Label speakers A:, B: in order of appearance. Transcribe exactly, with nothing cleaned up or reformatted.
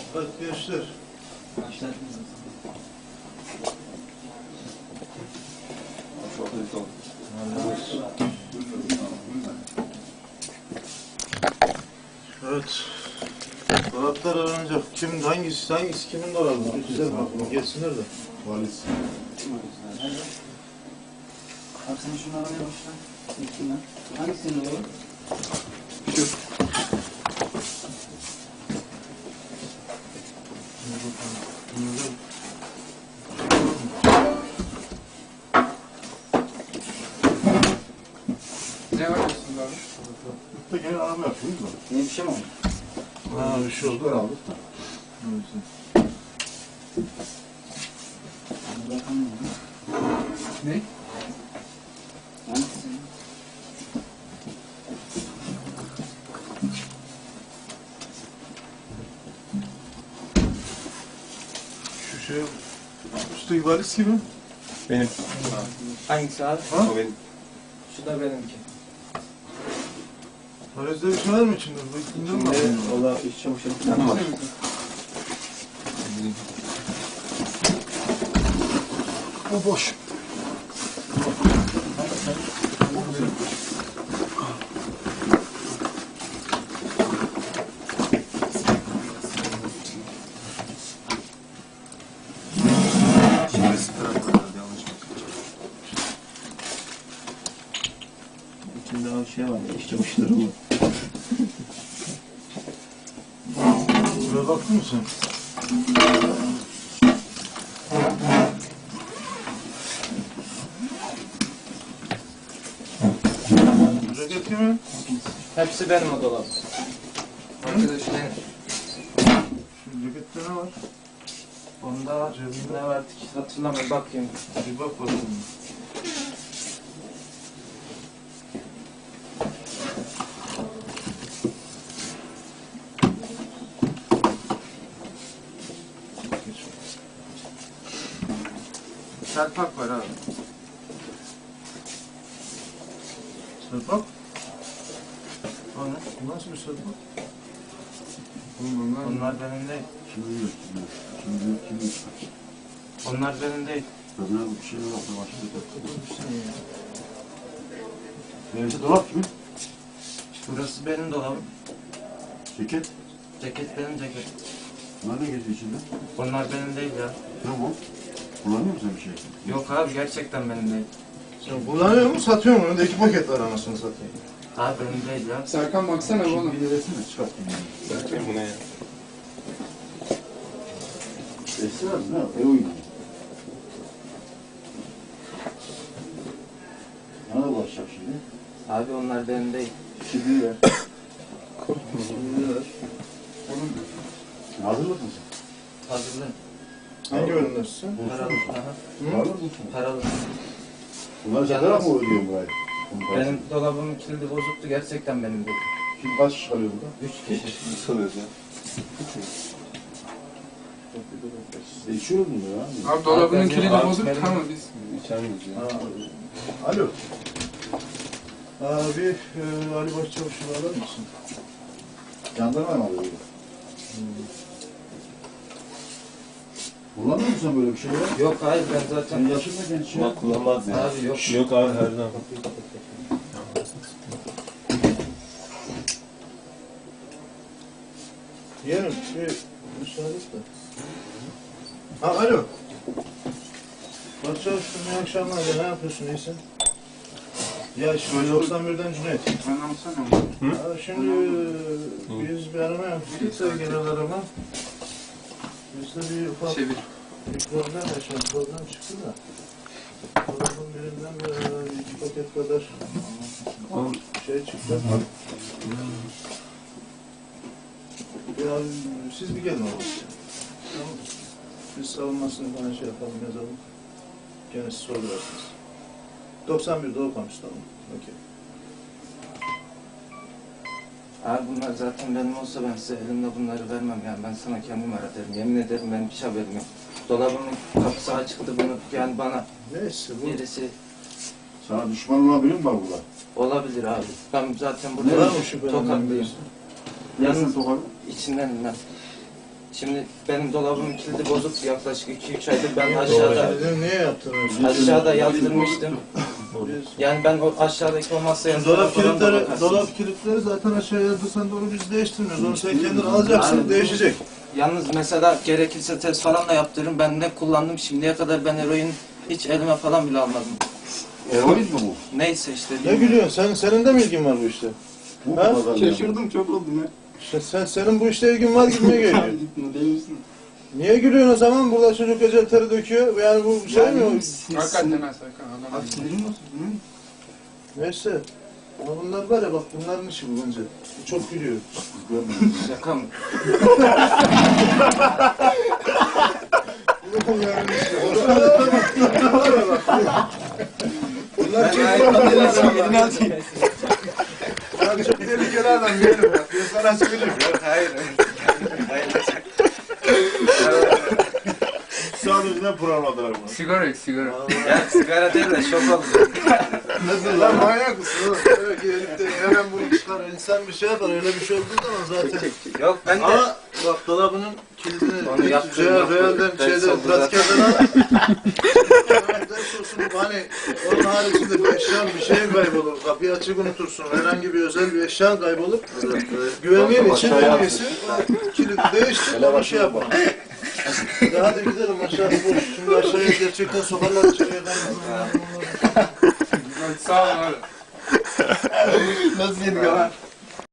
A: Bak gençler.
B: Gençler.
A: Evet. Dolaplar aranacak. Kim, hangisi, hangisi kimin dolabı? Bir güzel bakalım. Gelsinler de.
C: Valiz.
B: Abi sen şunu aramaya başla. İlkinden. Hangisinin olur?
A: Şu.
D: Ne var aslında abi?
C: Burada gene arama yapıyoruz da.
B: Ne bir şey mi oldu?
A: Ha bir şey oldu.
C: Aldık da.
B: Bakalım ne?
D: Ne?
B: Hangisinin?
A: Şu şey, üstteki valiz kimin?
E: Benim.
B: Hangisi abi?
A: Ha?
E: O benim.
B: Şu da benimki.
A: Valizde bir şey var mı içinde? Bu indirim var.
B: Valla iş çamaşırı
E: Tamam.
B: falan var.
A: O boş.
E: Şimdi sıfır atmadı. Yanlış mı?
B: İçinde o şey var. İş çamaşırları var.
A: Şuraya baktın mı sen? Ceket kimin?
B: Hepsi benim o dolabı. Arkadaş benim.
A: Şu cekette ne var?
B: Onda ne vardı ki hatırlamıyorum. Bakayım.
A: Bir bak bakalım.
D: Selpak var abi.
A: Sırpak? O ne? Nasıl bir sırpak?
D: Oğlum onlar
B: Onlar benim değil.
C: Şimdi yok. Şimdi Şimdi şimdi yok.
B: Onlar benim değil.
C: Böyle bir şey yok. Başka bir Neyse dolap kimin?
B: Burası benim dolabım.
C: Ceket.
B: Ceket benim ceket.
C: Bunlar ne geziyor içinde?
B: Onlar benim değil ya.
C: Ne bu? Kullanıyor musun bir şey?
B: Yok abi gerçekten benim değil.
A: Sen kullanıyor musun, satıyor musun? Önünde iki paket var anasını satayım.
B: Abi benim değil ya.
D: Serkan baksana oğlum.
C: Bir de resmi çıkartayım.
E: Bakayım bu ne ya?
C: Esra ne? E oyunu. Bana da ulaşacak şimdi.
B: Abi onlar benim değil.
C: Şimdi ver.
A: Şimdi ver.
D: Oğlum
C: Hazır mısın sen?
B: Hazırlı.
A: Hangi bölümdesin?
B: Paralı. Aha.
C: Hazır mısın?
B: Paralı.
C: Bunları satarak mı ödüyorsun burayı?
B: Benim dolabımın kilidi bozuktu. Gerçekten benim değil.
C: Şimdi kaç kişi kalıyor burada?
B: Üç kişi.
E: Ne sanıyoruz ya?
C: E içiyoruz mu ya?
D: abi dolabının
B: Abi,
D: kilidi
B: abi,
D: bozuk
B: benim-
D: tamam biz.
E: İçer miyiz ya?
A: Alo. Abi, e, Ali Başçavuş'u alır mısın?
C: Jandarma mı alıyor? Kullanmıyor musun böyle bir şey ya?
B: Yok hayır ben
C: Sen
B: zaten...
C: yaşın da genç ya.
E: Bak kullanmaz ya.
B: Abi yok.
E: Yok abi her zaman.
A: Yeğenim, bir müsaade et de. Ha, alo. Başçavuş'um, iyi akşamlar. Ya, ne yapıyorsun, iyisin? Ya, şimdi doksan birden Cüneyt.
D: Anlamsana.
A: Ha, şimdi e, biz bir arama yaptık, sevgili arama. Bizde bir ufak
D: Çevir.
A: bir problem yaşadık, problem çıktı da. Dolabın birinden e, iki paket kadar şey çıktı. Ya siz bir gelin oğlum. Tamam. Biz savunmasını bana şey yapalım, yazalım. Gene siz sorarsınız. doksan birde okumuş, tamam. Okey.
B: Abi bunlar zaten benim olsa ben size elimde bunları vermem yani. Ben sana kendim öğretirim. Yemin ederim benim hiç haberim yok. Dolabımın kapısı açıktı bunu yani bana
A: Neyse bu.
B: birisi
C: Sana düşman olabilir mi var burada?
B: olabilir abi. Ben zaten
A: Ne
B: burada
A: var mı şüphelenen
B: tokatlıyım.
A: birisi?
C: Yarın
B: Yalnız
C: sokak.
B: içinden ben. Şimdi benim dolabımın kilidi bozuk yaklaşık iki üç aydır ben aşağıda
A: Dedim, niye yaptın öyle?
B: aşağıda yazdırmıştım.
A: Biz-
B: Yani ben o aşağıdaki o masaya
A: Dolap
B: falan da
A: kilitleri,
B: bakarsın.
A: dolap kilitleri zaten aşağıya yadırsan da onu biz değiştirmiyoruz. Onu sen kendin alacaksın,
B: Yani-
A: değişecek.
B: Yalnız mesela gerekirse test falan da yaptırırım. Ben ne kullandım şimdiye kadar ben eroin hiç elime falan bile almadım.
C: Eroin mi bu?
B: Neyse işte.
A: Ne gülüyorsun? Sen, senin de mi ilgin var bu işte?
C: Bu
A: Ha?
C: mu pazar?
E: Şaşırdım çok oldum ya.
A: İşte sen, senin bu işte ilgin var gibime geliyor.
E: Gitme değil misin?
A: Niye gülüyorsun o zaman? Burada çocuk ecel teri döküyor. Yani bu şey mi?
D: Hakikaten ha Serkan adam.
E: Abi sinirim nasıl? Hı?
A: Neyse. Ama bunlar var ya bak bunların işi bu bence. Bu çok gülüyor.
B: Şaka mı?
A: Bunların Bunlar çok
E: Elini atayım.
A: Bunlar çok tehlikeli adam yerim bak. Ben sana söyleyeyim.
B: Hayır.
C: Sadece ne programadılar bunu?
D: Sigara yok sigara.
B: Ya sigara değil de şok oldum.
A: Nasıl lan manyak mısın oğlum? Evet gelip de hemen bunu çıkar. İnsan bir şey yapar. Öyle bir şey olduğu zaman zaten.
B: Yok ben de
A: Ama bak dolabının kilidini
B: Onu yaptım,
A: Real,
B: yaptım.
A: Real'den
B: Ders
A: şeyden
B: oldu
A: pratiklerden al. Ders olsun hani onun haricinde bir eşyan bir şey kaybolur. Kapıyı açık unutursun. Herhangi bir özel bir eşyan kaybolur. Güvenliğin için en iyisi o kilidi değiştir. Ona şey yapalım. Ya hadi gidelim aşağısı boş. Şimdi aşağıya gerçekten sokarlar içeriye.
D: Hadi sağ olun abi.
E: Nasıl yedik ama?